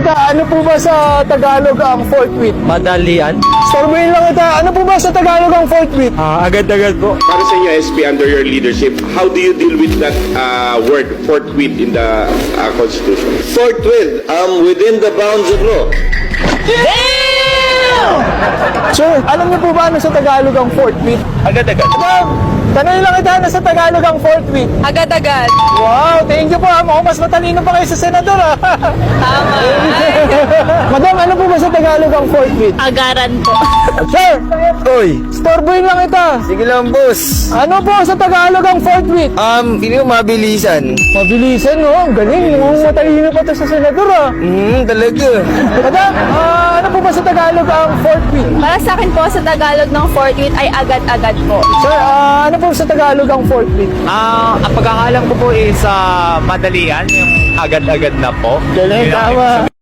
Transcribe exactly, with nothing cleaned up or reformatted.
kita, ano po ba sa Tagalog ang forthwith? Madalian. Storboyin lang kita, ano po ba sa Tagalog ang forthwith? Ah, agad-agad po. Para sa inyo, S P, under your leadership, how do you deal with that uh, word, forthwith, in the uh, Constitution? Forthwith, um, within the bounds of law. Sir, alam niyo po ba ano sa Tagalog ang forthwith? Agad-agad. Madam, tanong lang kita, ano sa Tagalog ang forthwith? Agad-agad. Wow, thank you po. ah. Mukhang mas matalino pa kayo sa senador ah. Tama. Madam, ano po ba sa Tagalog ang forthwith? Agaran po. Sir, Oy, storboyin lang kita. sige lang, boss. Ano po sa Tagalog ang forthwith? Um, hindi ko mabilisan. Mabilisan, no? Ang galing. Mukhang matalino pa to sa senador ah. Hmm, talaga. Madam, ah, ano po ba sa Tagalog ang forthwith? Para sa akin po, sa Tagalog ng forthwith ay agad-agad po. Sir, ah, ano po sa Tagalog ang forthwith? Ah, ang pagkakaalam ko po is ah, madalian, yung agad-agad na po. Galing, Yun ang tama. ibig